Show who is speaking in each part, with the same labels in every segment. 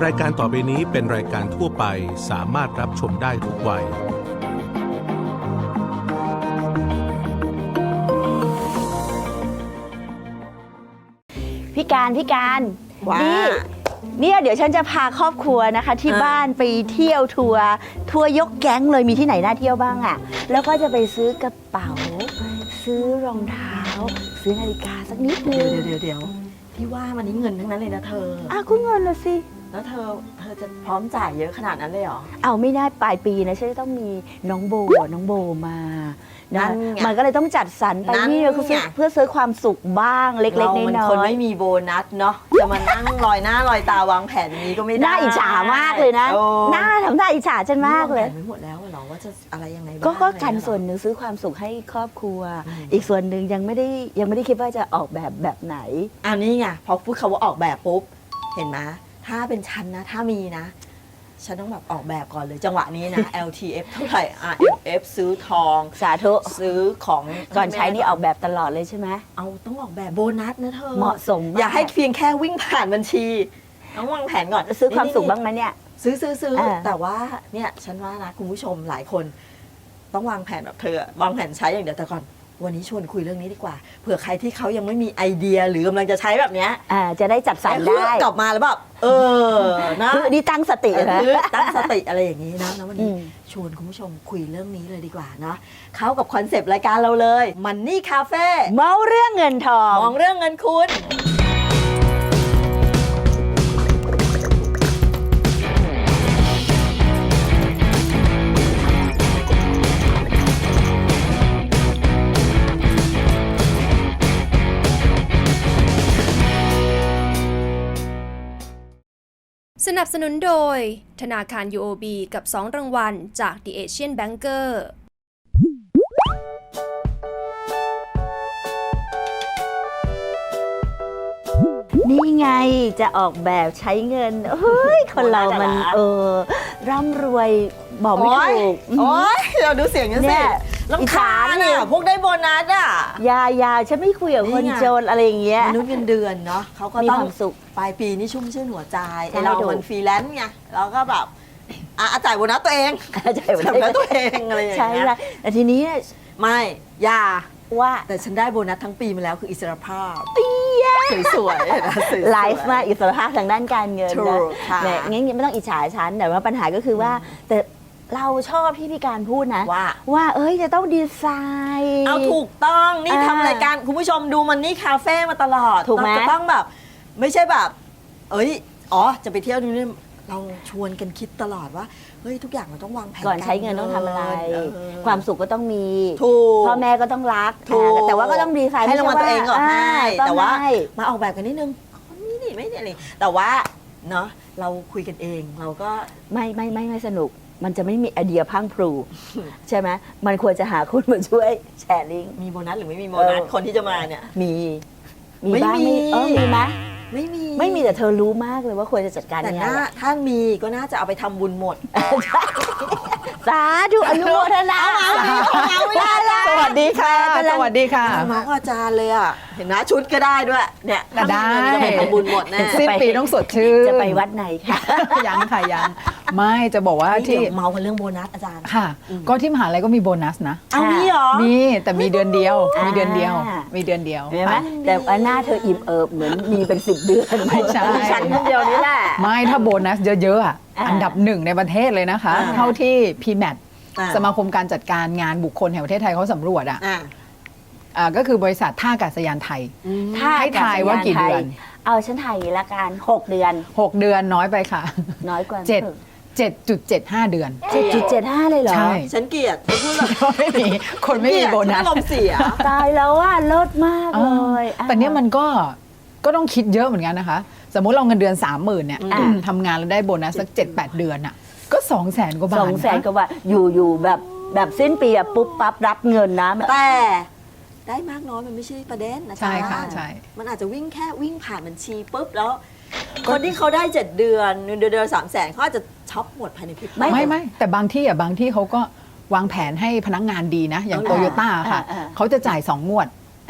Speaker 1: รายการต่อไปนี้เป็นรายการทั่วไปสามารถรับชมได้ทุกวัย
Speaker 2: พี่การ
Speaker 3: ว่า
Speaker 2: เนี่ยเดี๋ยวฉันจะพาครอบครัวนะคะที่บ้านไปเที่ยวทัวร์ยกแก๊งเลยมีที่ไหนน่าเที่ยวบ้างอ่ะแล้วก็จะไปซื้อกระเป๋าซื้อรองเท้าซื้อนาฬิกาสักนิดนึง
Speaker 3: เดี๋ยวพี่ว่ามันนี้เงินทั้งนั้นเลยนะเธอ
Speaker 2: ก็เงินละสิ
Speaker 3: แล้วเธอจะพร้อมจ่ายเยอะขนาดนั้นเลยเหรอ
Speaker 2: เอาไม่ได้ปลายปีนะฉันจะต้องมีน้องโบมานะมันก็เลยต้องจัดสรรไปนี่เพื่อซื้อความสุขบ้างเล็กๆน้อยๆ
Speaker 3: เรามันคนไม่มีโบนัสเนาะจะมานั่งลอยหน้าลอยตาวางแผนนี้ก็ไม่ได้
Speaker 2: น่าอิจฉามากเลยนะน่าทำท่าอิจฉาฉันมากเลย
Speaker 3: ไม่หมดแล้วเหรอว่าจะอะไรยังไงบ้าง
Speaker 2: ก็กันส่วนหนึ่งซื้อความสุขให้ครอบครัวอีกส่วนหนึ่งยังไม่ได้คิดว่าจะออกแบบไหน
Speaker 3: นี่ไงพอพูดคำว่าออกแบบปุ๊บเห็นไหมถ้าเป็นฉันนะถ้ามีนะฉันต้องแบบออกแบบก่อนเลยจังหวะนี้นะ LTF เท่าไหร่ RMF ซื้อทอง
Speaker 2: สาธุ
Speaker 3: ซื้อของ
Speaker 2: ก่อนใช้นี่ออกแบบตลอดเลยใช่ไหม
Speaker 3: ต้องออกแบบโบนัสนะเธอ
Speaker 2: เหมาะสม
Speaker 3: อย่าให้เพียงแค่วิ่งผ่านบัญชีต้องวางแผนก่อน
Speaker 2: ซื้อความสุขบ้างไหมเนี่ย
Speaker 3: ซื้อแต่ว่าเนี่ยฉันว่านะคุณผู้ชมหลายคนต้องวางแผนแบบเธอวางแผนใช้อย่างเดียวแต่ก่อนวันนี้ชวนคุยเรื่องนี้ดีกว่าเผื่อใครที่เขายังไม่มีไอเดียหรือกำลังจะใช้แบบเนี้ย
Speaker 2: จะได้จัดสรรได้
Speaker 3: กลับมาแล้วแบบนะ
Speaker 2: ดีตั้งสตินะ
Speaker 3: ตั้งสติอะไรอย่างนี้นะวันนี้ชวนคุณผู้ชมคุยเรื่องนี้เลยดีกว่าเนาะเข้ากับคอนเซปต์รายการเราเลยมันนี่คาเฟ่
Speaker 2: เมาเรื่องเงินทอง
Speaker 3: มองเรื่องเงินคุณ
Speaker 4: สนับสนุนโดยธนาคาร UOB กับ2รางวัลจาก The Asian Banker
Speaker 2: นี่ไงจะออกแบบใช้เงินเฮ้ยคนเรามันร่ำรวยบอกไม่ถูก
Speaker 3: เราดูเสียงกันสิลำคาญเนี่ยพวกได้โบนัส
Speaker 2: ยาฉันไม่คุยกับคนจนอะไรอย่างเงี้ย
Speaker 3: มนุษย์เงินเดือนเนาะเขาก็ต้องสุขปลายปีนี่ชุ่มชื่นหัวใจเรามันฟรีแลนซ์ไงเราก็แบบจ่ายโบนัสตัวเองจ่ายโบนัสตัวเองอะไรอย่างเงี้ย
Speaker 2: ใช่แต่ทีนี้
Speaker 3: ไม่ยา
Speaker 2: ว่า
Speaker 3: แต่ฉันได้โบนัสทั้งปีมาแล้วคืออิสรภาพสวยๆนะ
Speaker 2: ไลฟ์มาอิสรภาพทางด้านการเงินนะเนี่ยงั้นไม่ต้องอิจฉาฉันแต่ว่าปัญหาก็คือว่าแต่เราชอบพี่การพูดนะว่าจะต้องดีไซน์
Speaker 3: ถูกต้องนี่ทำรายการคุณผู้ชมดูมันนี่คาเฟ่มาตลอด
Speaker 2: ถูกไหม
Speaker 3: จะต้องแบบไม่ใช่แบบจะไปเที่ยวนี่เราชวนกันคิดตลอดว่าเฮ้ยทุกอย่างเราต้องวางแผน
Speaker 2: ก่อนใช้เงินต้องทำอะไรความสุขก็ต้องมี
Speaker 3: พ่
Speaker 2: อแม่ก็ต้องรักแต่ว่าก็ต้องดีไซน์
Speaker 3: ให้รางวัลตัวเองก่อนให้แต่ว่ามาออกแบบกันนิดนึงนี่ไม่อะไรแต่ว่าเนาะเราคุยกันเองเราก็
Speaker 2: ไม่สนุกมันจะไม่มีไอเดียพังพลูใช่ไหมมันควรจะหาคนมาช่วยแชร์ลิงก์
Speaker 3: มีโบนัสหรือไม่มีโบนัสคนที่จะมาเนี่ย
Speaker 2: มีบ้างมีไหมไม่มีแต่เธอรู้มากเลยว่าควรจะจัดการยังไง
Speaker 3: แต่ถ้ามีก็น่าจะเอาไปทำบุญหมด
Speaker 2: สาธุอนุโมทนา
Speaker 3: สวัสดีค่ะ
Speaker 5: สวัสดีค่ะ
Speaker 3: น้องอาจารย์เลยเห็นไหมชุดก็ได้ด้วยเนี่ย
Speaker 5: ได้
Speaker 3: จะไปทำบุญหมดแน่
Speaker 5: สิ้นปีต้องสดชื่น
Speaker 2: จะไปวัดไหนคะ
Speaker 5: ยังค่ะยังไม่จะบอกว่าที่
Speaker 3: เมากันเรื่องโบนัสอาจารย์
Speaker 5: ค่ะก็ที่มหาลัยก็มีโบนัสนะ
Speaker 3: มีเหรอ
Speaker 5: มีแต่มีเดือนเดียวมีเดือนเดียว
Speaker 2: ใช่ไหมแต่ว่าหน้าเธออิ่มเอิบเหมือนมีเป็น10 เดือน
Speaker 5: ไม่ใช่
Speaker 2: ฉันคนเดียวนี่แหละ
Speaker 5: ไม่ถ้าโบนัสเยอะๆอันดับ1ในประเทศเลยนะคะเท่าที่ PMAT สมาคมการจัดการงานบุคคลแห่งประเทศไทยเขาสำรวจก็คือบริษัทท่าอากาศยานไทยให้ทายว่ากี่เดือน
Speaker 2: ฉันถ่ายอย่างนี้ละกัน6 เดือน
Speaker 5: 6 เดือนน้อยไปค่ะ
Speaker 2: น้อยกว่า
Speaker 5: 7.75 เดือน
Speaker 2: 7.75 เลยเหรอ
Speaker 3: ใช่ฉันเกลียดพูดเลย
Speaker 5: ไม่มีคนไม่มีโบนัส
Speaker 3: อารมณ์เสีย
Speaker 2: ตายแล้วเลิศมากเลย
Speaker 5: แต่เนี้ยมันก็ต้องคิดเยอะเหมือนกันนะคะสมมุติเราเงินเดือน 30,000เนี่ยทำงานแล้วได้โบนัสสัก 7-8 เดือนก็200,000 กว่าบาท
Speaker 2: 200,000 กว่าบาทอยู่แบบสิ้นปีปุ๊บปั๊บรับเงินนะ
Speaker 3: แต่ได้มากน้อยมันไม่ใช่ประเด็นนะจ๊ะ
Speaker 5: ใช่ค่ะใช่
Speaker 3: มันอาจจะวิ่งผ่านบัญชีปุ๊บแล้วคนที่เขาได้7 เดือนเดือน300,000เขาอาจจะช็อปหมดภายในพริบตา
Speaker 5: ไม่แต่บางที่เขาก็วางแผนให้พนักงานดีนะอย่างโตโยต้าค่ะเขาจะจ่าย2 งวด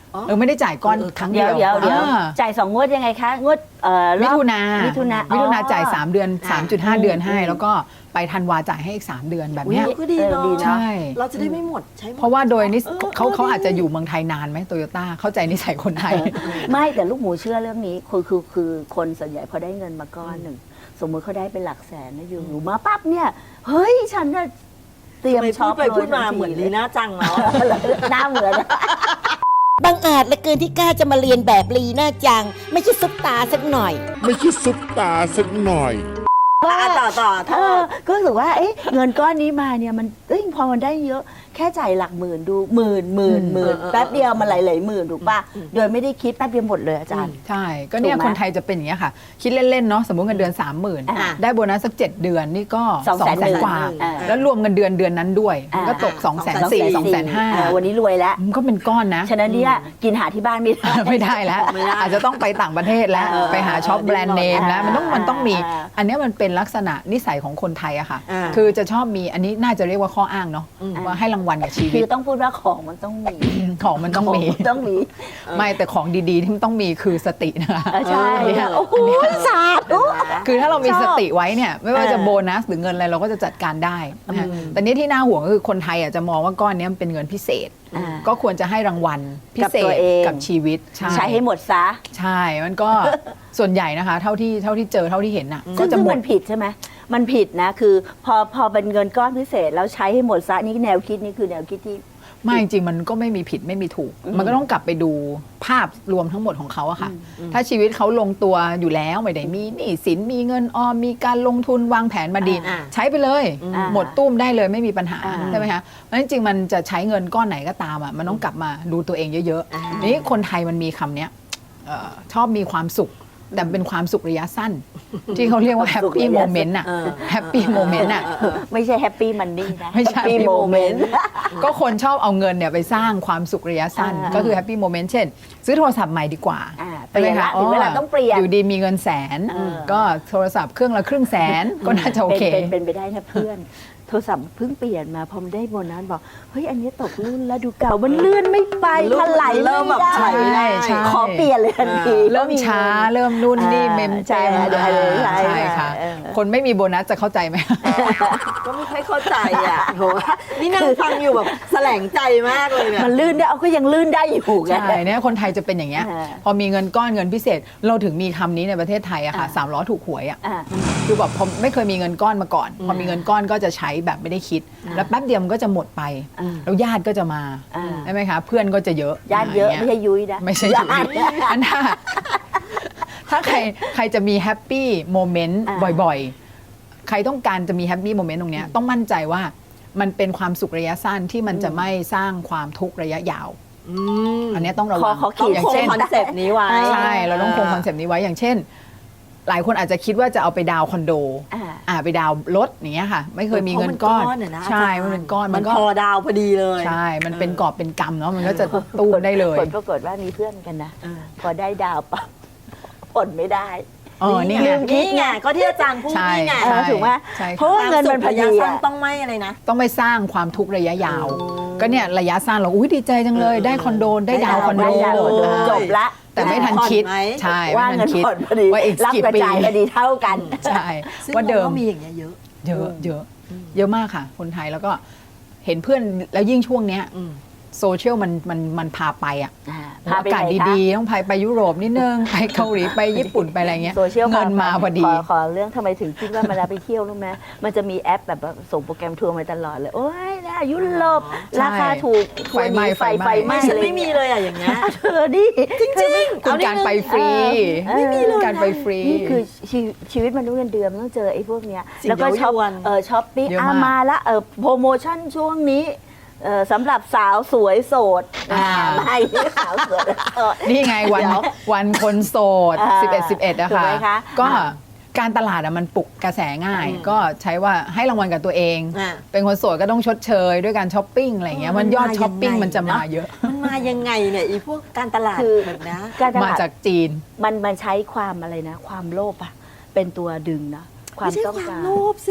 Speaker 5: ไม่ได้จ่ายก้อนครั้งเดี
Speaker 2: เดี๋
Speaker 5: ย
Speaker 2: ยว วจ่าย2 งวดยังไงคะงวดร
Speaker 5: มิ
Speaker 2: อบ
Speaker 5: ถุนา
Speaker 2: มิถุนา
Speaker 5: มิถุนาจ่าย3 เดือน 3.5 เดือนให้
Speaker 2: อืม
Speaker 5: แล้วก็ไปธันวาจ่ายให้อีก3 เดือนแบบ
Speaker 3: อุ๊ย
Speaker 5: เนี้ย
Speaker 3: ก็ดีเนาะ
Speaker 2: ดีเนอะ
Speaker 5: ใช่
Speaker 3: เราจะได้ไม่หมดใช้หมด
Speaker 5: เพราะว่าโดยนิส เขา
Speaker 3: ดี
Speaker 5: อาจจะอยู่เมืองไทยนานไหมโตโยต้าเข้าใจนิสัยคนไทย
Speaker 2: ไม่แต่ลูกหมูเชื่อเรื่องนี้คือคนส่วนใหญ่พอได้เงินมาก้อนหนึ่งสมมติเขาได้เป็นหลักแสนนะอยู่มาปั๊บเนี่ยเฮ้ยฉันจะเตรียม
Speaker 3: ไป
Speaker 2: ช็
Speaker 3: พู
Speaker 2: อ
Speaker 3: ด
Speaker 2: ป
Speaker 3: ไปพูดมา
Speaker 2: ทัที
Speaker 3: เหมือนลีน่าจังแล้ว
Speaker 2: หน้าเหมือน
Speaker 6: บังอาจเหลือเกินที่กล้าจะมาเรียนแบบลีน่าจัง ไม่ใช่ซุปตาสักหน่อย
Speaker 7: ไม่ใช่ซุปตาสักหน่อย
Speaker 3: ว่าต่อโทษ
Speaker 2: ก็รู้สึกว่าเงินก้อนนี้มาเนี่ยมันพอมันได้เยอะแค่จ่ายหลักหมื่นดูหมื่นแป๊บเดียวมันหลายๆหมื่นถูกป่ะโดยไม่ได้คิดแป๊บเดียวหมดเลยอาจารย์
Speaker 5: ใช่ ก็เนี่ย
Speaker 2: ถูกไหม
Speaker 5: คนไทยจะเป็นอย่างเงี้ยค่ะ คิดเล่น ๆ เนาะสมมติเงินเดือน
Speaker 2: อ่า
Speaker 5: 30,000 ได้โบนัสสัก 7 เดือนนี่ก็
Speaker 2: 200,000
Speaker 5: 200,000 กว่า
Speaker 2: อ่า
Speaker 5: แล้วรวมเงินเดือนนั้นด้วยมันก็ตก 240,000 250,000
Speaker 2: วันนี้รวยแล้ว
Speaker 5: มันก็เป็นก้อนนะ
Speaker 2: ฉะนั้นเนี่ยกินหาที่บ้านไม่ได้
Speaker 5: ไม่ได้แล้ว
Speaker 3: ไม่ได้
Speaker 5: อาจจะต้องไปต่างประเทศแล้ว ไปหาช็อปแบรนด์เนมแล้วมันต้องมี อันเนี้ยมันเป็นลักษณะนิสัยของคนไทยอะค่ะ คือจะชอบมีอันนี้น่าจะเรียกว่าข้ออ้างเนาะว่าให้รางวัลกับชีวิ
Speaker 2: คื
Speaker 5: ต
Speaker 2: อต้องพูดว่าของมันต้องมี
Speaker 5: ของมันต้องมี
Speaker 2: ต้องมี
Speaker 5: ไม่แต่ของดีๆที่มันต้องมีคือสตินะคะ
Speaker 2: ใช่
Speaker 5: เนี่ย
Speaker 2: โอ้โหสาธุ
Speaker 5: คือถ้าเรามี
Speaker 2: ชอบ
Speaker 5: สติไว้เนี่ยไม่ว่าจะ
Speaker 2: เออ
Speaker 5: โบนัสหรือเงินอะไรเราก็จะจัดการได้นะคะแต่นี่ที่น่าห่วงก็คือคนไทยจะมองว่าก้อนเนี้ยมันเป็นเงินพิเศษ
Speaker 2: อ่า
Speaker 5: ก็ควรจะให้รางวัลพิเศ
Speaker 2: กับตัว
Speaker 5: ษ
Speaker 2: เอง
Speaker 5: กับชีวิต
Speaker 2: ใช้ให้หมดซะ
Speaker 5: ใช่มันก็ ส่วนใหญ่นะคะเท่าที่เจอเท่าที่เห็นน่ะก็จะ
Speaker 2: ซึ่ง
Speaker 5: หม
Speaker 2: มั
Speaker 5: ด
Speaker 2: นผิดใช่ไหมมันผิดนะคือพอเป็นเงินก้อนพิเศษแล้วใช้ให้หมดซะนี่แนวคิดนี่คือแนวคิดที่
Speaker 5: ไม่จริงๆมันก็ไม่มีผิดไม่มีถูก มันก็ต้องกลับไปดูภาพรวมทั้งหมดของเขาอะค่ะ ถ้าชีวิตเขาลงตัวอยู่แล้วไม่ได้มีหนี้สินมีเงินออมมีการลงทุนวางแผนมาดี ใช้ไปเลย หมดตุ้มได้เลยไม่มีปัญหาใช่ไหมคะเพราะฉะนั้นจริงๆมันจะใช้เงินก้อนไหนก็ตามอะมันต้องกลับมาดูตัวเองเยอะๆนี่คนไทยมันมีคำเนี้ยชอบมีความสุขแต่เป็นความสุขระยะสั้น ที่เขาเรียกว่าแฮปปี้โมเมนต์อะแฮปปี้โมเมนต์อะ
Speaker 2: ไม่ใช่แฮปปี้มันนี่นะ
Speaker 5: ไม่ใช่
Speaker 2: แฮปปี้
Speaker 5: happy
Speaker 2: โมเมน
Speaker 5: moment
Speaker 2: ต์
Speaker 5: ก็คนชอบเอาเงินเนี่ยไปสร้างความสุขระยะสั้น
Speaker 2: อ่า
Speaker 5: ก็คือแฮปปี้โมเมนต์เช่น ซื้อโทรศัพท์ใหม่ดีกว่า
Speaker 2: เปลี่ยนละถึงเวลาต้องเปลี่ยน
Speaker 5: อยู่ดีมีเงินแสน ก็โทรศัพท์เครื่องละ500,000ก็น่าจะโอเค
Speaker 2: เป็นไปได้นะเพื่อน โทรศัพท์เพิ่งเปลี่ยนมาพอมันได้โบนัสบอกเฮ้ยอันนี้ตกรุ่นแล้วดูเก่ามันเลื่อนไม่ไป
Speaker 3: รุ่น
Speaker 2: ถลาย
Speaker 3: เริ่มแบบ
Speaker 2: ไได้
Speaker 3: ใช้ไม่ได้
Speaker 5: ใช่
Speaker 2: ขอเปลี่ยนเลยทันที
Speaker 5: เริ่มช้าเริ่มนู่นนี่เมม
Speaker 2: ใช่
Speaker 5: เต็ม
Speaker 2: ใช่ใช่
Speaker 5: ใช่ค่ะ
Speaker 2: เออ
Speaker 5: คนไม่มีโบนัสจะเข้าใจไหม
Speaker 3: ก็ไม่ค่อยเข้าใจอ่ะโหนี่นั่งฟังอยู่แบบแสลงใจมากเลยเนี่ย
Speaker 2: มันลื่นได้เอาก็ยังลื่นได้อยู่ไง
Speaker 5: ใช่เนี่ยคนไทยจะเป็นอย่างเงี้ย
Speaker 2: อ่า
Speaker 5: พอมีเงินก้อนเงินพิเศษ เราถึงมีคำนี้ในประเทศไทยอะค่ะ3ล้อถูกหวยอะ
Speaker 2: อ่า
Speaker 5: คือแบบผมไม่เคยมีเงินก้อนมาก่อน พอมีเงินก้อนก็จะใช้แบบไม่ได้คิด แล้วแป๊บเดียวมันก็จะหมดไป
Speaker 2: อ่า
Speaker 5: แล้วญาติก็จะมา
Speaker 2: อ่า
Speaker 5: ใช่ไหมคะ เพื่อนก็จะเยอะ
Speaker 2: ญาติเยอะ
Speaker 5: ไร
Speaker 2: ไม่
Speaker 5: งี้
Speaker 2: ใช่ยุ้ยนะ
Speaker 5: ไม่ใช่ยุ้ย
Speaker 2: ญาติ
Speaker 5: อันถ้าใครจะมีแฮปปี้โมเมนต์
Speaker 2: อ่า
Speaker 5: บ่อยๆ ใครต้องการจะมีแฮปปี้โมเมนต์ตรงเนี้ยต้องมั่นใจว่ามันเป็นความสุขระยะสั้นที่มันจะไม่สร้างความทุกข์ระยะยาว อันเนี้ยต้องระวัง
Speaker 2: ขอขีด
Speaker 5: อย่าง
Speaker 3: คง
Speaker 5: เช่น
Speaker 3: คอนเซปต์นี้ไว้
Speaker 5: ใช่เราต้องคงคอนเซปต์นี้ไว้อย่างเช่น หลายคนอาจจะคิดว่าจะเอาไปดาวน์คอนโด ไปดาวน์รถอย่างเงี้ยค่ะ ไม่เคยมีเงินก้อน
Speaker 3: เพราะมันก้อนอะนะ
Speaker 5: ใช่
Speaker 3: อาจารย์
Speaker 5: มันเป็นก้อน
Speaker 3: มัน
Speaker 5: ก็
Speaker 3: พอดาวพอดีเลย
Speaker 5: ใช่ มันเป็นกอบเป็นกำเนาะมันก็จะตู้ได้เลย
Speaker 2: ผลปรากฏว่ามีเพื่อนกันนะ พอได้ดาวปั๊บผลไม่ได้
Speaker 5: นี่ไง
Speaker 2: ลืม
Speaker 3: นี่ไงก็ที่อาจารย์พูด
Speaker 5: ใช่
Speaker 3: นี่ไง
Speaker 5: ใช่
Speaker 2: ถูกไหม
Speaker 5: ใช่
Speaker 2: เพราะว่าเงินมันพอดี
Speaker 3: ระยะสั้
Speaker 2: อะ
Speaker 3: ต้องไม่อะไรนะ
Speaker 5: ต้องไม่สร้างความทุกข์ระยะยาว ก็เนี่ยระยะสั้นเราอุ้ยดีใจจังเลย ได้คอนโดได้ดาวน์คอนโด
Speaker 2: ได้ดาวน์คอนโดจบละ
Speaker 5: แต่ไม่ทันคิด
Speaker 3: ผ่อนไหม
Speaker 5: ใช่
Speaker 2: ว่า
Speaker 5: ไม่
Speaker 2: เงิ
Speaker 5: ทั
Speaker 2: น
Speaker 5: นคิด
Speaker 2: ผ่อนพอดี
Speaker 5: ว่าอีก
Speaker 2: รับ
Speaker 5: กี่
Speaker 2: กระ
Speaker 5: ปี
Speaker 2: จายพอดีเท่ากัน
Speaker 5: ใช่
Speaker 3: ซึ่ง
Speaker 5: ว่าเดิม
Speaker 3: ก็มีอย่างเงี้ยเยอะ
Speaker 5: เยอะมากค่ะ คนไทยแล้วก็เห็นเพื่อนแล้วยิ่งช่วงเนี้ยโซเชียลมันพาไปอ่ะ
Speaker 2: พาไป
Speaker 5: อากาศ
Speaker 2: ไหนคะ
Speaker 5: ดีๆ ต้องไปยุโรปนิดนึง ไปเกาหลีไปญี่ปุ่นไปอะไรเงี้ย
Speaker 2: โซเชียล
Speaker 5: เงินมาพอดี
Speaker 2: ขอเรื่องทำไมถึงคิดว่าเวลาไปเที่ยวรู้ไหมมันจะมีแอปแบบว่าส่งโปรแกรมทัวร์มาตลอดเลย โอ้ยนะยุโรป
Speaker 5: ใช่
Speaker 2: ราคาถูกทัวร์หนีไฟ
Speaker 5: ไฟไหม้
Speaker 3: ฉัน
Speaker 2: อะร
Speaker 3: ไม่มีเลยอะอย่างเงี้ย
Speaker 2: เธอดิ
Speaker 3: จริงๆ
Speaker 5: คุณการไปฟรี
Speaker 2: ไม่มีเลย
Speaker 5: การไปฟรี
Speaker 2: นี่คือชีวิตมนุษย์เงินเดือนมันต้องเจอไอ้พวกเนี้ย
Speaker 3: สิ่ง
Speaker 2: แล้วก็ช้อป
Speaker 3: เย้ายวน
Speaker 2: ช้อปปิ้ง
Speaker 5: เยอะมาก
Speaker 2: มาละโปรโมชั่นช่วงนี้สำหรับสาวสวยโสดไม่สาวสวยโสด
Speaker 5: นี่ไงวันคนโสด
Speaker 2: อ่า
Speaker 5: 11 นะ
Speaker 2: ถูก
Speaker 5: คะ
Speaker 2: ไหมคะ
Speaker 5: ก็การตลาดมันปลุกกระแสง่าย ก็ใช้ว่าให้รางวัลกับตัวเอง
Speaker 3: อ่ะ
Speaker 5: เป็นคนโสดก็ต้องชดเชยด้วยการช้อปปิ้งอะไรเงี้ยมันยอดช้อปปิ้งมันจะมาเยอะ
Speaker 3: มันมายังไงเนี่ยอีพวกการตลาด
Speaker 2: คือ
Speaker 3: แบบนะ
Speaker 2: การต
Speaker 5: มา
Speaker 2: ลาด
Speaker 5: จากจีน
Speaker 2: มันใช้ความอะไรนะ ความโลภอะเป็นตัวดึงนะ ความ
Speaker 3: ไม่ใช่
Speaker 2: ต้อง
Speaker 3: ความ
Speaker 2: การ
Speaker 3: โลภสิ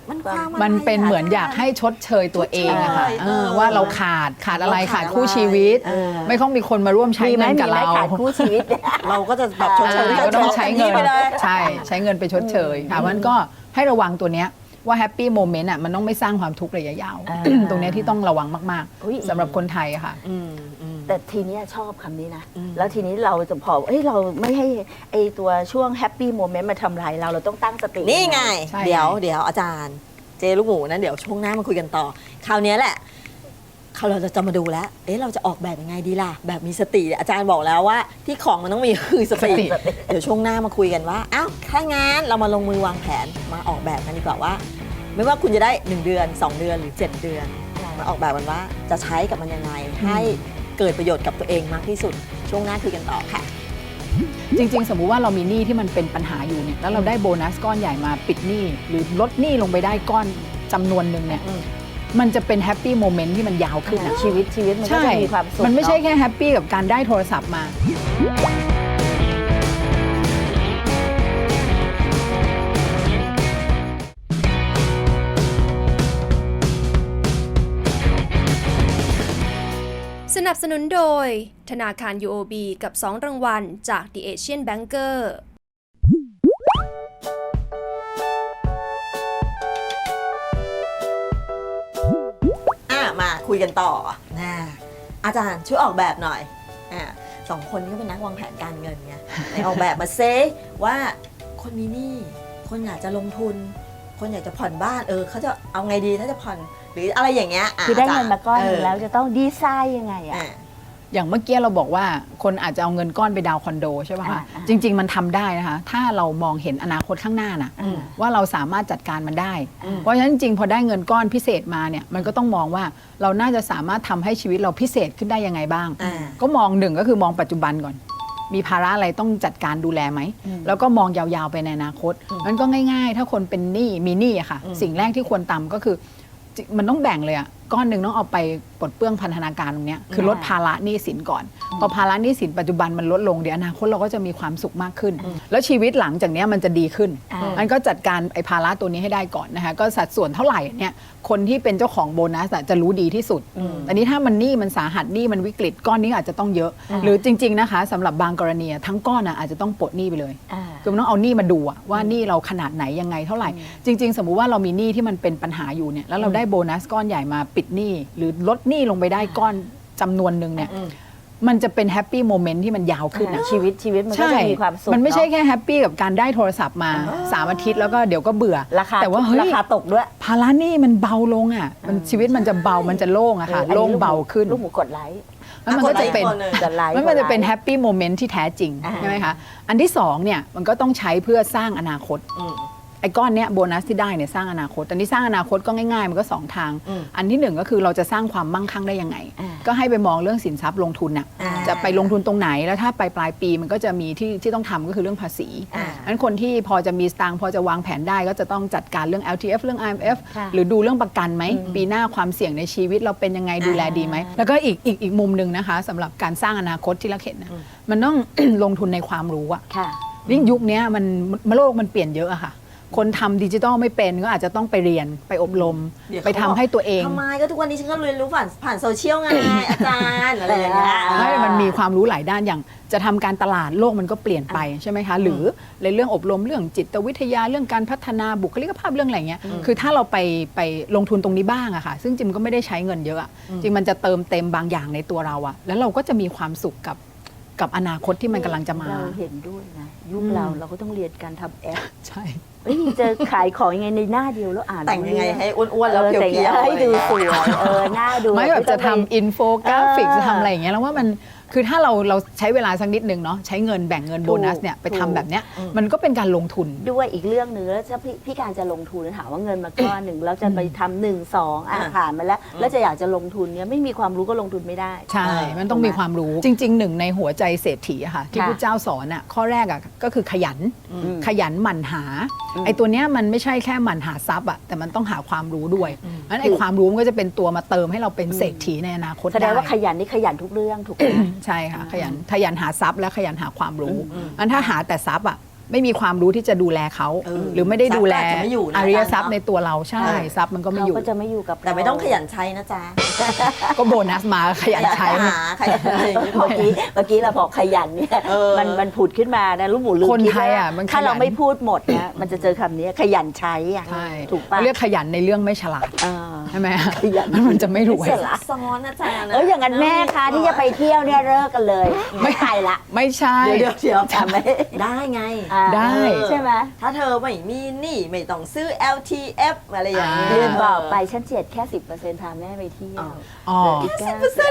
Speaker 5: มันเป็นเหมือนอยากให้ชดเชยตัวเองอะค่ะ
Speaker 3: ชดเชย
Speaker 5: ว่าเราขาดอะไรขาดคู่ชีวิต ไม่ต้องมีคนมาร่วมใช้เงินกับเรา
Speaker 2: ขาดคู่ชีวิตเนี่ย
Speaker 3: เราก็จะแบบชดเชย
Speaker 5: ก็ต้องใช้เงิน
Speaker 3: ไปเลย
Speaker 5: ใช่ใช้เงินไปชดเชยค่ะมันก็ให้ระวังตัวเนี้ยว่าแฮปปี้โมเมนต์อ่ะมันต้องไม่สร้างความทุกข์ระยะยาว ตรงเนี้ยที่ต้องระวังมาก
Speaker 2: อุ๊ย
Speaker 5: ๆสำหรับคนไทยอะค่ะ
Speaker 2: แต่ทีเนี้ยชอบคำนี้นะ แล้วทีนี้เราจะพอเราไม่ให้ไอตัวช่วงแฮปปี้โมเมนต์มาทำลายเราต้องตั้งสติ
Speaker 3: นี่ไง
Speaker 5: ใช่
Speaker 3: เดี๋ยวอาจารย์เจลูกหมูนะเดี๋ยวช่วงหน้ามาคุยกันต่อ คราวนี้แหละเราจะมาดูแล้วเราจะออกแบบยังไงดีล่ะแบบมีสติอาจารย์บอกแล้วว่าที่ของมันต้องมีคือสติเดี๋ยวช่วงหน้ามาคุยกันว่าอ้าวถ้างั้นเรามาลงมือวางแผนมาออกแบบกันดีกว่าว่า ไม่ว่าคุณจะได้1เดือน2เดือนหรือ7เดือนมาออกแบบกันว่าจะใช้กับมันยังไงให้เกิดประโยชน์กับตัวเองมากที่สุดช่วงหน้าคุยกันต่อค่ะ
Speaker 5: จริงๆ สมมุติว่าเรามีหนี้ที่มันเป็นปัญหาอยู่เนี่ยแล้วเราได้โบนัสก้อนใหญ่มาปิดหนี้หรือลดหนี้ลงไปได้ก้อนจำนวนหนึ่งเนี่ยมันจะเป็นแฮปปี้โมเมนต์ที่มันยาวขึ้นนะ
Speaker 2: ชีวิตมันก็จะมีความสุข
Speaker 5: มันไม่ใช่
Speaker 2: เนอะ
Speaker 5: แค่แฮปปี้กับการได้โทรศัพท์มา
Speaker 4: สนับสนุนโดย ธนาคาร UOB กับ 2 รางวัลจาก The Asian Banker
Speaker 3: มาคุยกันต่อนะอาจารย์ช่วยออกแบบหน่อยสองคนนี้ก็เป็นนักวางแผนการเงินไงไหนออกแบบมาเซว่าคนมีหนี้คนอยากจะลงทุน คนอยากจะผ่อนบ้านเขาจะเอาไงดีถ้าจะผ่อนหรืออะไรอย่างเงี้ย
Speaker 2: คือได้เงินมาก้อนหนึ่งแล้วจะต้องดีไซน์ยังไงอะ
Speaker 5: อย่างเมื่อกี้เราบอกว่าคนอาจจะเอาเงินก้อนไปดาวน์คอนโดใช่ป่ะคะจริง ๆ มันทำได้นะคะถ้าเรามองเห็นอนาคตข้างหน้านะว่าเราสามารถจัดการมันได้ เพราะฉะนั้นจริงๆพอได้เงินก้อนพิเศษมาเนี่ยมันก็ต้องมองว่าเราน่าจะสามารถทำให้ชีวิตเราพิเศษขึ้นได้ยังไงบ้าง ก็มองหนึ่งก็คือมองปัจจุบันก่อน มีภาระอะไรต้องจัดการดูแลไหมแล้วก็มองยาวๆไปในอนาคตมันก็ง่ายๆ ถ้าคนเป็นหนี้มีหนี้อะค่ะสิ่งแรกที่ควรทำก็คือมันต้องแบ่งเลยอะก้อนหนึ่งต้องเอาไปปลดเปลื้องพันธนาการตรงนี้คือลดภาระหนี้สินก่อนพอภาระหนี้สินปัจจุบันมันลดลงเดี๋ยวอนาคตเราก็จะมีความสุขมากขึ้น แล้วชีวิตหลังจากนี้มันจะดีขึ้นมันก็จัดการไอ้ภาระตัวนี้ให้ได้ก่อนนะคะก็สัดส่วนเท่าไหร่เนี่ยคนที่เป็นเจ้าของโบนัสจะรู้ดีที่สุดอันนี้ถ้ามันหนี้มันสาหัสหนี้มันวิกฤตก้อนนี้อาจจะต้องเยอะ หรือจริงๆนะคะสำหรับบางกรณีทั้งก้อนอาจจะต้องปลดหนี้ไปเลยคือมันต้องเอาหนี้มาดูว่าหนี้เราขนาดไหนยังไงเท่าไหร่จริงๆสมมุติว่าเรามีหนี้ที่มันเป็นปัญหาอยู่เนี่ยแล้วเราได้โบนัสก้อนใหญ่มาปิดหนี้หรือลดหนี้ลงไปได้ก้อนจำนวนหนึ่งเนี่ยมันจะเป็นแฮปปี้โมเมนต์ที่มันยาวขึ้นนะ
Speaker 2: ชีวิตมันก็จะมีความสุข
Speaker 5: มันไม่ใช่
Speaker 2: เนอะ
Speaker 5: แค่แฮปปี้กับการได้โทรศัพท์มา3 อาทิตย์แล้วก็เดี๋ยวก็เบื่อ
Speaker 2: ราคา
Speaker 5: แต่ว่าเฮ้ย
Speaker 2: ราคาตกด้วย
Speaker 5: ภาระหนี้มันเบาลงอ่ะมันชีวิตมันจะเบามันจะโล่งอะค่ะ
Speaker 2: อันนี้
Speaker 5: โล่งเบาขึ้น
Speaker 2: ลูกหมูกดไลค์
Speaker 5: แล้วมันก็จะเป็น
Speaker 2: กดไลค์
Speaker 5: มันจะเป็นแฮปปี้โมเมนต์ที่แท้จริงใช่ไหมคะอันที่2เนี่ยมันก็ต้องใช้เพื่อสร้างอนาคตไอ้ก้อนเนี้ยโบนัสที่ได้เนี่ยสร้างอนาคตอันนี้สร้างอนาคตก็ง่ายๆมันก็2 ทางอันที่1ก็คือเราจะสร้างความมั่งคั่งได้ยังไงก็ให้ไปมองเรื่องสินทรัพย์ลงทุนน่ะจะไปลงทุนตรงไหนแล้วถ้าปลายปีมันก็จะมีที่ต้องทำก็คือเรื่องภาษีอันคนที่พอจะมีสตางค์พอจะวางแผนได้ก็จะต้องจัดการเรื่อง LTF เรื่อง IMF หรือดูเรื่องประกันไหมปีหน้าความเสี่ยงในชีวิตเราเป็นยังไงดูแลดีไหมแล้วก็อีกมุมหนึ่งนะคะสำหรับการสร้างอนาคตที่เราเห็นนะมันต้อง ลงทุนในความรู้อะยิ่งยุคนี้โลกมันเปลี่ยนเยอะอะค่ะคนทำดิจิทัลไม่เป็นก็อาจจะต้องไปเรียนไปอบรมไปทำให้ตัวเอง
Speaker 3: ทำไมก็ทุกวันนี้ฉันก็เรียนรู้ผ่านโซเชียลไง อาจารย์อะไรอย่างเงี้ย
Speaker 5: ให้มันมีความรู้หลายด้านอย่างจะทำการตลาดโลกมันก็เปลี่ยนไปใช่ไหมคะหรือในเรื่องอบรมเรื่องจิตวิทยาเรื่องการพัฒนาบุคลิกภาพเรื่องอะไรเงี้ยคือถ้าเราไปลงทุนตรงนี้บ้างอะค่ะซึ่งจริงก็ไม่ได้ใช้เงินเยอะอะจริงมันจะเติมเต็มบางอย่างในตัวเราอะแล้วเราก็จะมีความสุขกับอนาคตที่มันกำลังจะมา
Speaker 2: เราเห็นด้วยนะยุคเราก็ต้องเรียนการทำแอป
Speaker 5: ใช่
Speaker 2: จะขายของยังไงในหน้าเดียวแล้วอ่าน
Speaker 3: แต่งยังไงให้อ้วนๆแล้วเพี
Speaker 2: แต่ง
Speaker 3: ยวๆ
Speaker 2: ให้ดูสวยหน้าดู
Speaker 5: ไม่แบบจะทำอินโฟกราฟิก
Speaker 2: เออ
Speaker 5: จะทำอะไรอย่างเงี้ยแล้วว่ามันคือถ้าเราใช้เวลาสักนิดนึงเนาะใช้เงินแบ่งเงินโบนัสเนี่ยไปทำแบบเนี้ยมันก็เป็นการลงทุน
Speaker 2: ด้วยอีกเรื่องหนึ่งแล้วถ้าพี่การจะลงทุนถามว่าเงินมาก้อนหนึ่งแล้วจะไปทำ1 2ผ่านมาแล้วจะอยากจะลงทุนเนี่ยไม่มีความรู้ก็ลงทุนไม่ได้
Speaker 5: ใช่ มันต้องมีความรู้จริงๆหนึ่งในหัวใจเศรษฐีอะค่ะที่
Speaker 2: ค่ะ
Speaker 5: พระเจ้าสอนอะข้อแรกอะก็คือขยันหมั่นหาไอ้ตัวเนี้ยมันไม่ใช่แค่หมั่นหาทรัพย์อะแต่มันต้องหาความรู้ด้วยงั้นไอ้ความรู้มันก็จะเป็นตัวมาเติมให้เราเป็นเศรษฐีในอนาคต
Speaker 2: แสดงว่า
Speaker 5: ไ
Speaker 2: ขยันนี่ขยันทุกเรื่องถูกไหม
Speaker 5: ใช่ค่ะขยันหาทรัพย์และขยันหาความรู้อันถ้าหาแต่ทรัพย์อ่ะไม่มีความรู้ที่จะดูแลเขา หรือไม่ได้ดูแล
Speaker 3: ทรัพย์ก็อาจจะไม่อยู่นะ
Speaker 5: อริยทรัพย์
Speaker 3: อาจารย์เนอะ
Speaker 5: ในตัวเราใช่ทรัพย์มันก็ไม่
Speaker 2: เขา
Speaker 5: อยู่
Speaker 2: ก็จะไม่อยู่กับ
Speaker 3: แต่ไม่ต้องขยันใช้นะจ๊ะ
Speaker 5: ก็โบนัสมาขยันใช้
Speaker 3: หาขยันอะไรอย่างเงี้ย
Speaker 2: เมื่อกี้เราบอกขยันเนี่ย
Speaker 3: เออ
Speaker 2: มันผุดขึ้นมานะลูกหมูลืม
Speaker 5: คน
Speaker 2: คิด
Speaker 5: ไทย
Speaker 2: ว่า
Speaker 5: อ่ะมัน
Speaker 2: ถ้า
Speaker 5: ขยัน
Speaker 2: เราไม่พูดหมดนะมันจะเจอคำนี้ขยันใช้อ่ะ
Speaker 5: ใช่
Speaker 2: ถูกปะ
Speaker 5: เรียกขยันในเรื่องไม่ฉลาด
Speaker 2: อ่า
Speaker 5: ใช่ไหม
Speaker 2: ขยัน
Speaker 5: มันจะไม่รวย
Speaker 2: ไม่ฉลาด
Speaker 3: ซ้อนอาจารย์นะ
Speaker 2: อย่างนั้นแม่คะที่จะไปเที่ยวเนี่ยเลิกกันเลยไม่ไปละ
Speaker 5: ไม่ใช่
Speaker 3: เดี๋ยว
Speaker 2: ทำไหม
Speaker 3: ได้ไง
Speaker 2: อ่า
Speaker 5: ได้
Speaker 2: ใช่ไหม
Speaker 3: ถ้าเธอไม่มีหนี้ไม่ต้องซื้อ LTF อะไรอย่างเงี้ย
Speaker 2: ลืมบอกไปฉันเจียดแค่ 10%พาแม่ไปเที่ยว
Speaker 5: อ๋อ
Speaker 2: อีก9%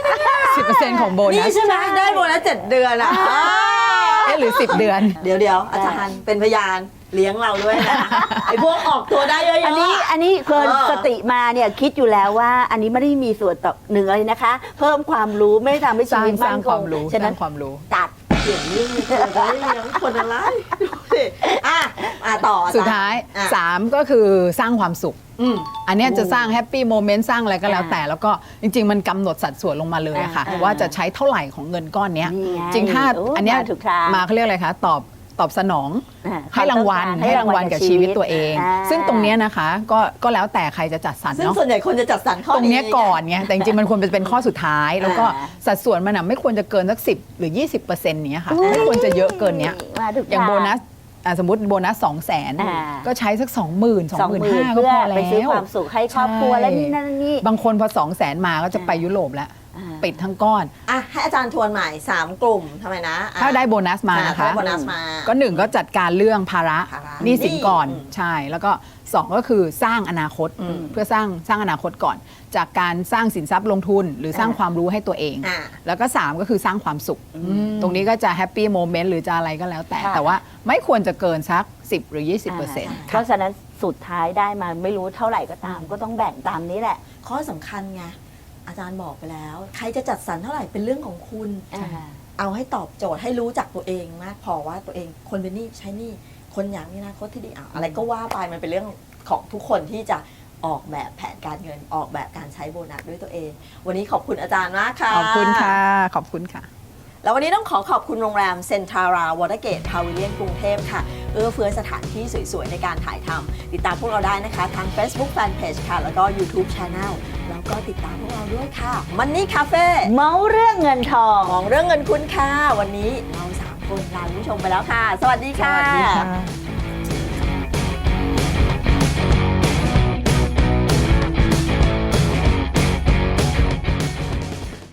Speaker 5: 10%ของโบนั
Speaker 3: นี่
Speaker 5: ส
Speaker 3: ใช่ไหมได้โบนัส7 เดือนอ่ะ
Speaker 5: หรือ 10 เดือน
Speaker 3: เดี๋ยวอาจารย์เป็นพยานเลี้ยงเราด้วยนะ ไอ้พวกออกตัวได้เยอะๆ
Speaker 2: อันนี้เพิ่นสติมาเนี่ยคิดอยู่แล้วว่าอันนี้ไม่ได้มีส่วนต่อหนึ่งอะไรนะคะ เพิ่มความรู้ไม่ได้ทำให้
Speaker 5: ส
Speaker 2: ชี
Speaker 5: ร้าง
Speaker 2: วิต
Speaker 5: ส
Speaker 2: มั่
Speaker 5: ร้าง
Speaker 2: นค
Speaker 5: ควาง มรู้
Speaker 2: ฉะ
Speaker 5: ส
Speaker 2: นั้
Speaker 5: ร้าน งความรู้
Speaker 2: ตัด
Speaker 3: เปลี่ยนเรื่องเลยเธอได้เลี้ยงคนอะไรดูสิต่ออาจารย์
Speaker 5: สุดท้าย
Speaker 3: อ่ะ
Speaker 5: 3 ก็คือสร้างความสุข
Speaker 3: อืม
Speaker 5: อันเนี้ยจะสร้างแฮปปี้โมเมนต์สร้างอะไรก็แล้วแต่ แล้วก็จริง ๆ มันกำหนดสัดส่วนลงมาเลยอะค่ะ ว่าจะใช้เท่าไหร่ของเงินก้อนเนี้ย
Speaker 2: นี่ไง
Speaker 5: จริงถ้า
Speaker 2: โอ้
Speaker 5: อันเนี้ย
Speaker 2: มาถูกทาง
Speaker 5: มาเขาเรียกอะไรคะตอบสนอง
Speaker 2: อ่า
Speaker 5: ให้รางวัล
Speaker 2: ความต้องการ
Speaker 5: ให้รางวัลกับชีวิตตัวเอง
Speaker 2: อ่า
Speaker 5: ซึ่งตรงเนี้ยนะคะก็แล้วแต่ใครจะจัดสรร
Speaker 3: ซึ่ง
Speaker 5: เนาะ
Speaker 3: ส่วนใหญ่คนจะจัดสรรข้อ
Speaker 5: ตรงเนี้ย
Speaker 3: ไง
Speaker 5: ก่อนไงแต่จริงๆมันควรจะเป็นข้อสุดท้าย แล้วก็
Speaker 2: อ่า
Speaker 5: สัดส่วนมันอะไม่ควรจะเกินสัก10 หรือ 20%เนี้ยค่ะไม่ควรจะเยอะเกินเนี้ย
Speaker 2: มาถูก
Speaker 5: อย่าง
Speaker 2: ท
Speaker 5: โบนัสสมมติโบนัส
Speaker 2: อ่า
Speaker 5: 200,000 ก็ใช้สัก 20,000 25,000 ก็
Speaker 2: เพื่อ
Speaker 5: พอแล้ว
Speaker 2: ไปซื้อความสุขให้ครอบครัว
Speaker 5: ใช่
Speaker 2: และนี่นั่นนี่
Speaker 5: บางคนพอ 200,000 มาก็จะไปยุโรปแล้ว
Speaker 2: อ่า
Speaker 5: ปิดทั้งก้อน
Speaker 3: อ่ะให้อาจารย์ทวนใหม่3 กลุ่มทำไมนะอ่ะ
Speaker 5: ถ้าได้โบนัสมานะคะ
Speaker 3: ได้โบนัสมา
Speaker 5: ก็1ก็จัดการเรื่องภาระ
Speaker 3: ภาระ
Speaker 5: หนี้สินก่อน
Speaker 3: อืม
Speaker 5: ใช่แล้วก็2ก็คือสร้างอนาคต เพื่อสร้างอนาคตก่อน จากการสร้างสินทรัพย์ลงทุน หรือสร้างความรู้ให้ตัวเอง
Speaker 3: อ่ะ
Speaker 5: แล้วก็3ก็คือสร้างความสุข ตรงนี้ก็จะแฮปปี้โมเมนต์หรือจะอะไรก็แล้วแต่
Speaker 2: ค่ะ
Speaker 5: แต่ว่าไม่ควรจะเกินสัก 10 หรือ 20%
Speaker 2: เพราะฉะนั้นสุดท้ายได้มาไม่รู้เท่าไหร่ก็ตาม ก็ต้องแบ่งตามนี้แหละ
Speaker 3: ข้อสำคัญไงอาจารย์บอกไปแล้ว ใครจะจัดสรรเท่าไหร่เป็นเรื่องของคุณ เอาให้ตอบโจทย์ให้รู้จักตัวเองมากพอว่าตัวเองคนเป็นหนี้ใช้หนี้คนอยากมีอนาคตที่ดีอะไรก็ว่าไปมันเป็นเรื่องของทุกคนที่จะออกแบบแผนการเงินออกแบบการใช้โบนัสด้วยตัวเอง วันนี้ขอบคุณอาจารย์มากค่ะ
Speaker 5: ขอบคุณค่ะ ขอบคุณค่ะ
Speaker 3: แล้ววันนี้ต้องขอบคุณโรงแรมเซ็นทราวอเตอร์เกตพาวิเลียนกรุงเทพค่ะเอื้อเฟื้อสถานที่สวยๆในการถ่ายทำติดตามพวกเราได้นะคะทาง Facebook Fanpage ค่ะแล้วก็ YouTube Channel แล้วก็ติดตามพวกเราด้วยค่ะมันนี่คาเฟ่
Speaker 2: เมาเรื่องเงินทอง
Speaker 3: มองเรื่องเงินคุณค่ะวันนี้เรา3 คนลาคุณผู้ชมไปแล้วค่ะ สวัสดีค่ะ
Speaker 5: สวัสดีค่ะ